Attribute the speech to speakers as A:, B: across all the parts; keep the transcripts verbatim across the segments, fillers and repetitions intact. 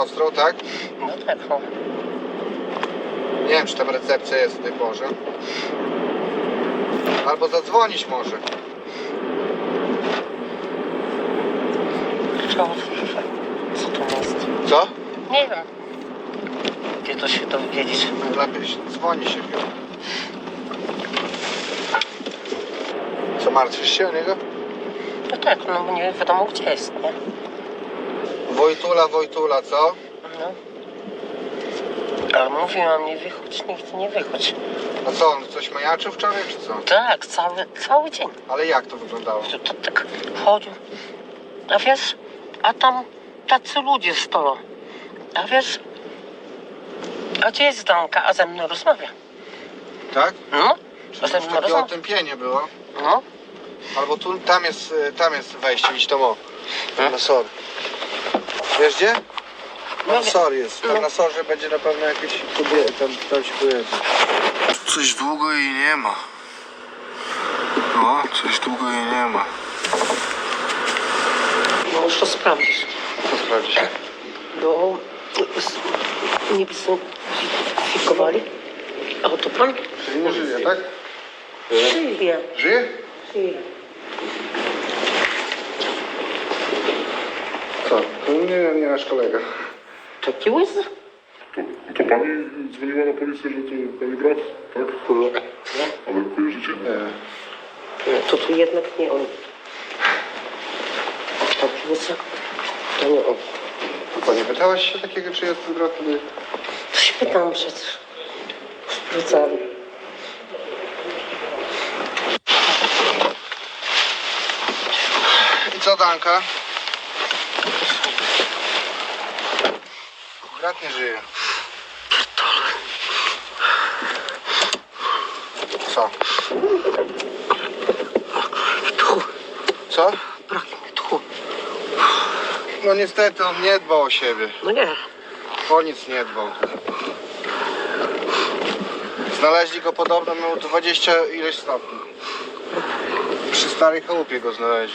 A: Ostrą, tak?
B: No tak, no.
A: Nie wiem, czy tam recepcja jest w tej porze. Albo zadzwonić może.
B: Co? Co to jest?
A: Co?
B: Nie wiem. Gdzie to się dowiedzieć?
A: Lepiej się, dzwoni się chyba. Co, martwisz się o niego?
B: No tak, no bo nie wiadomo gdzie jest, nie?
A: Wojtula, Wojtula, co?
B: No. Ale mówiłam, nie wychodź, nigdy nie wychodź.
A: A co, on coś majaczył wczoraj, czy co?
B: Tak, cały, cały dzień.
A: Ale jak to wyglądało?
B: To, to tak chodził. A wiesz, a tam tacy ludzie stoją. A wiesz, a gdzie jest Danka, a ze mną rozmawia?
A: Tak?
B: No,
A: Czy
B: a ze
A: to
B: mną
A: takie
B: rozmawia.
A: otępienie było?
B: No,
A: Albo tu, tam jest, y, tam jest wejście, idź tam o.
B: Hmm?
A: Na sor. Wiesz gdzie?
B: No
A: Na
B: wiem.
A: sor jest. Tam
B: No.
A: na sorze będzie na pewno jakieś kobiety, tam, tam się pojedzie. Coś długo jej nie ma. No, coś długo jej nie ma.
B: no już to sprawdzisz.
A: Co sprawdzić?
B: No, s- niby są fikowali. A to pan?
A: Czyli nie żyje, tak?
B: Żyje.
A: Żyje?
B: Żyje.
A: Co? To nie, nie nasz kolega.
B: Taki łysy?
C: To, to pani dzwoniła na policję, że to pani brat, tak? No, ale kojarzycie?
A: Nie.
B: No, to tu jednak nie on. Taki łysy? To nie on.
A: Chyba nie pytałaś się takiego, czy jest brat?
B: To się pytam przecież. Sprawdzali.
A: I co, Danka? Brat nie żyje. Co?
B: Tchu,
A: Co?
B: brak mi tchu.
A: No niestety on nie dbał o siebie.
B: No nie.
A: O nic nie dbał. Znaleźli go podobno, miał dwadzieścia ileś stopni. Przy starej chałupie go znaleźli.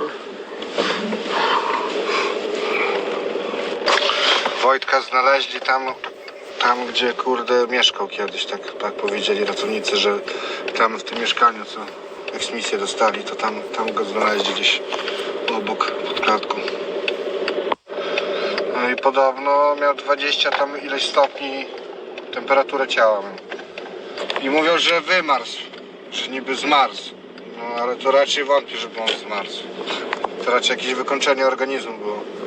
A: Wojtka znaleźli tam, tam gdzie kurde mieszkał kiedyś, tak, tak powiedzieli ratownicy, że tam w tym mieszkaniu, co eksmisję dostali, to tam, tam go znaleźli gdzieś obok, pod klatką. No i podobno miał dwadzieścia tam ileś stopni temperaturę ciała. I mówią, że wymarzł, że niby zmarzł. No ale to raczej wątpię, żeby on zmarzł. To raczej jakieś wykończenie organizmu było.